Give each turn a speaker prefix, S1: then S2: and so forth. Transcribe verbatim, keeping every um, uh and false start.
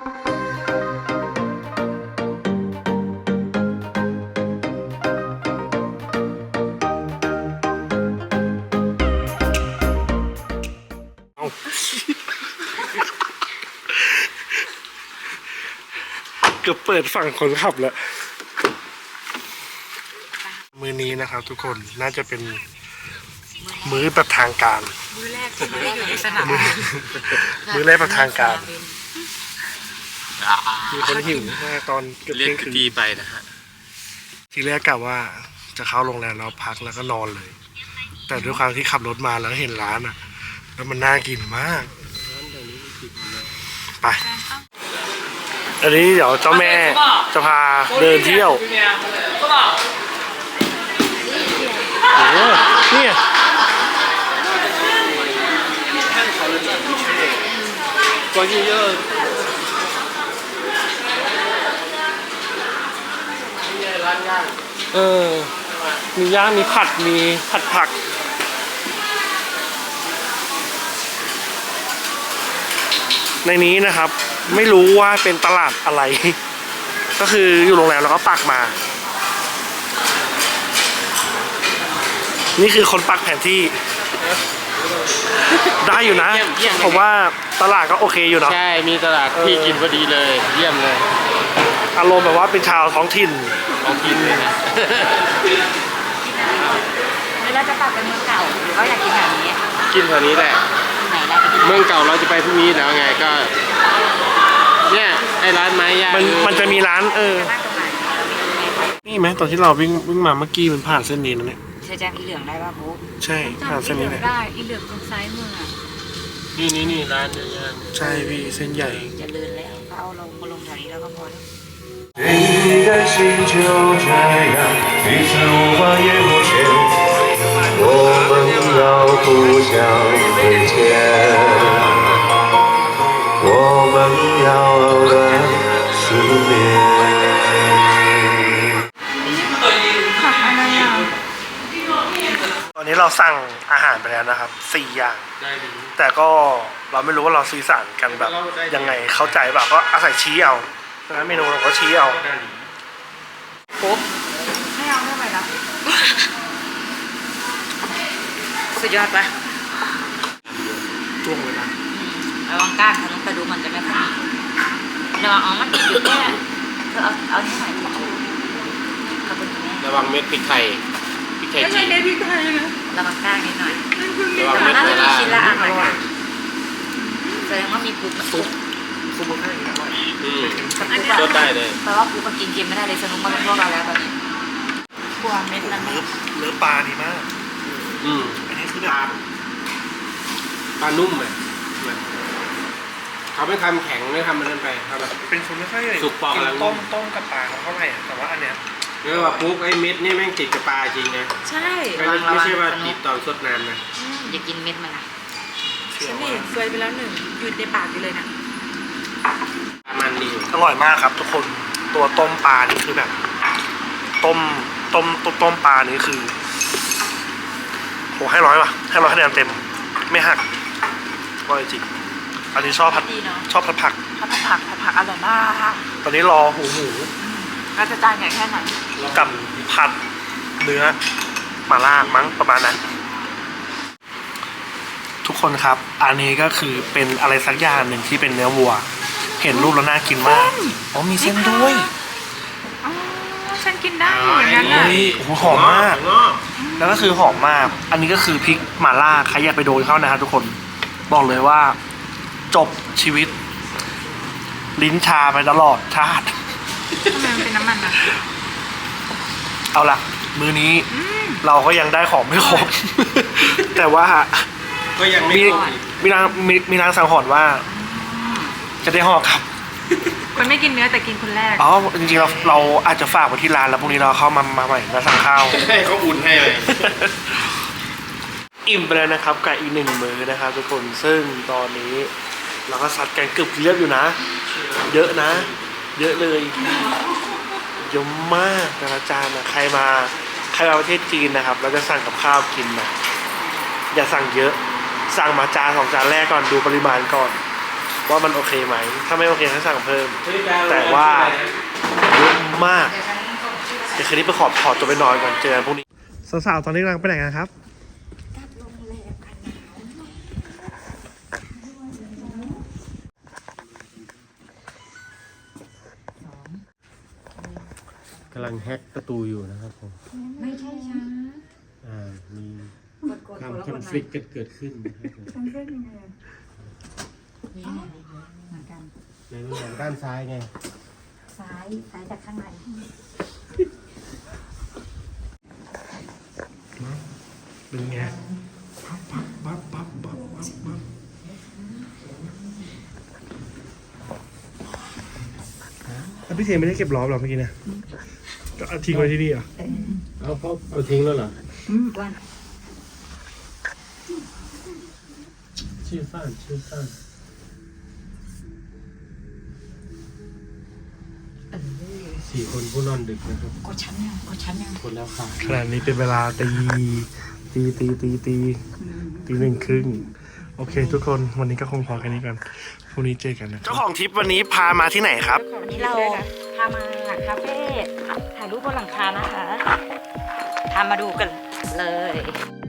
S1: เกือบเปิดฝั่งคนขับแล้วมือนี้นะครับทุกคนน่าจะเป็นมื้อประทางการ
S2: มื้อแรกที่ไม่ได้อยู่ในสนาม
S1: มื้อแรกประทางการมีคนหิวมากตอนเกือบเที่ยงคืน
S3: ไปนะฮะ
S1: ทีแรกกะว่าจะเข้าโรงแรมแล้วพักแล้วก็นอนเลยแต่ด้วยความที่ขับรถมาแล้วเห็นร้านอ่ะแล้วมันน่ากินมากไปอันนี้เดี๋ยวเจ้าแม่จะพาเดินเที่ยวโอ้โหเนี่ย关键要เออมีย่างมีผัดมีผัดผักในนี้นะครับไม่รู้ว่าเป็นตลาดอะไรก็คืออยู่โรงแรมแล้วก็ปักมานี่คือคนปักแผนที่ได้อยู่นะผมว่าตลาดก็โอเคอยู่เนาะ
S3: ใช่มีตลาดที่กินพอดีเลยเยี่ยมเลย
S1: อารมณ์แบบว่าเป็นชาวท้องถิ่น
S3: ท้องถิ่นเลยนะ
S2: แล้วจะกลับไปเมืองเก่าหรือว่าอยากกินแบบนี้
S3: กินแถวนี้แหละเมืองเก่าเราจะไปพรุ่งนี้แล้วไงก็เนี่ยไอ้ร้านไม้ย่าง
S1: มันมันจะมีร้านเออนี่ไหมตอนที่เราวิ่งวิ่งมาเมื่อกี้มันผ่านเส้นนี้นะเนี่ย
S2: ใช่แจ้งอีเหลืองได้ป่ะบุ๊ก
S1: ใช่ผ่านเส้นนี้
S2: ได้อีเหลืองตรงซ้ายมือ
S3: นี่นี่นี่ร้านเนื้อย่าง
S1: ใช่พี่เส้นใหญ่
S2: จะเลื่อนแล้วก็เอาลงมาลงแถวนี้แล้วก็พอแล้ว
S4: 你的心就这样彼此无法言不全我们要互相亏欠我们要的思念
S1: ตอนนี้เราสั่งอาหารไปแล้วนะครับสี่อย่างแต่ก็เราไม่รู้ว่าเราสื่อสารกันแบบยังไงเข้าใจแบบก็อาศัยชี้เอาดังนั้นเมนูเราก็ชี้เอา
S2: ปุ๊บไม่เอาไม่ไหวแล้วสุดยอดปะ
S1: จ้วงเลยนะ
S2: ระวังก้านทะลุกระดูกมันจะไม่ค่อยระวังอ๋อมันติดอยู่แค่เธอเอาเอาที่ไหนที่ชูขอบคุณแม่
S3: ระวังเม็ดพริกไทยพริกไทยจีน
S2: พริกไทยนะระวังก้านนิดหน่อยระวังเม็ดน่าจะมีชิ้นละอ่ะแสดงว่ามีปุ๊บ
S1: ซุปซุปมันให้อร่อย
S3: อืมรสได้เลย
S2: แปลว่าปุ๊บมันกินเค็มไม่ได้เลยสนุกมาเป็นพวกเราแล้วแบบนี้กลัวเม็ดนั้น
S1: เนื้อเนื้อปลาดีมาก
S3: อืม
S1: อันนี้คือแบบ
S3: ปลานุ่มเลยเขาไม่ทำแข็งไม่ทำมันนั่นไปเขาแบบ
S1: เป็นคนไม่ค่อย
S3: สุกปอกแล้ว
S1: ต้มต้มกับปลาเขาเท่าไหร่แต่ว่าอันเนี้ย
S3: เรียกว่าปุ๊บไอ้เม็ดนี่แม่งติดกับปลาจริงนะ
S2: ใช่
S3: ไม่ใช่ว่าติดตอนสดน้ำนะ
S2: อย่ากินเม็ดมันนะ
S1: ฉันนี่
S2: เคยไปแล้วหนึ่งยืนในปากอยู่เลยนะ
S3: มันดี
S1: อร่อยมากครับทุกคนตัวต้มปลานี่คือแบบต้มต้มต้มต้มปลานี่คือโหให้ร้อยว่ะให้ร้อยคะแนนเต็มไม่หักอร่อยจริงอันนี้ชอบผัดชอบผัดผัก
S2: ผัดผักผัดผักอร่อยมาก
S1: ตอนนี้รอหูหมู
S2: เราจะจานใหญ่แค่ไหน
S1: กับผัดเนื้อมาล่ามั้งประมาณนั้นทุกคนครับอันนี้ก็คือเป็นอะไรสักอย่างหนึ่งที่เป็นเนื้อวัวเห็นรูปแล้วน่ากินมากอ๋อมีเส้นด้วย
S2: อ๋อฉันกินได้อย่างนั้นเลย
S1: โอ้โหหอมมากแล้วก็คือหอมมากอันนี้ก็คือพริกหม่าล่าใครอยากไปโดนเข้านะครับทุกคนบอกเลยว่าจบชีวิตลิ้นชาไปตลอดชาติ
S2: ทำไมมันเป็นน้ำมันอ่ะ
S1: เอาล่ะมื้อนี้เราก็ยังได้ของไม่ครบแต่ว่า
S3: ก็ยังไม่
S1: มีนางมีมีนางสังหรณ์ว่าจะได้ห่อครับ
S2: คนไม่กินเนื้อแต่กินคนแรก
S1: อ๋อจริงๆเราเราอาจจะฝากไว้ที่ร้านแล้วพรุ่งนี้เราเข้ามามาใหม่มาสั่งข้าว
S3: ให้เขาอุ่นให้เลย
S1: อิ่มไปแล้วนะครับกับอีกหนึ่งมื้อนะครับทุกคนซึ่งตอนนี้เราก็ซัดกันเกือบเรียบอยู่นะเยอะนะเยอะเลยเยอะมากแต่ละจานนะใครมาใครมาประเทศจีนนะครับเราจะสั่งกับข้าวกินนะอย่าสั่งเยอะสั่งมาจานสองจานแรกก่อนดูปริมาณก่อนว่ามันโอเคไหมถ้าไม่โอเคให้สั่งเพิ่ม แต่ว่าเยอะมากเดี๋ยวคืนนี้ไปขอขอตัวไปนอนก่อนเจอกันพรุ่งนี้สาวๆตอนนี้กำลังไปไหนกันครับ
S3: กำลังแฮกประตูอยู่นะครับผม
S2: ไม่ใช่ช้า
S3: อ่า มี
S2: กด
S3: ความ
S2: แล้ว
S3: คอนฟ lict กันเกิดขึ้นนะครับผม
S2: เหมือนกัน
S3: ในเรื่องด้านซ้ายไง
S2: ซ้ายซ้ายจากข้างใน
S1: เป็นไงปั๊บปั๊บปั๊บปั๊บปั๊บแล้วพี่เทไม่ได้เก็บล้อมหรอเมื่อกี้เนี่ยก็เอาทิ้งไว้ที่นี่เหรอ
S3: เอาเขาเอาทิ้งแล้วเหรอ
S2: วัน
S3: ชื่อฟ้านชื่อฟ้านสี่คนผู้นอนดึกนะครับ
S2: กดชั้นยังกดชั้นยัง
S3: คนแล้วค่ะ
S1: ขณะนี้เป็นเวลาตีตีตีตีตีตีหนึ่งครึ่งโอเค ทุกคนวันนี้ก็คงพอแค่นี้กันพรุ่งนี้เจอกันนะเจ้าของทริปวันนี้พามาที่ไหนครับ
S2: วันนี้เราพามาคาเฟ่ถ่ายรูปบนหลังคานะคะพามาดูกันเลย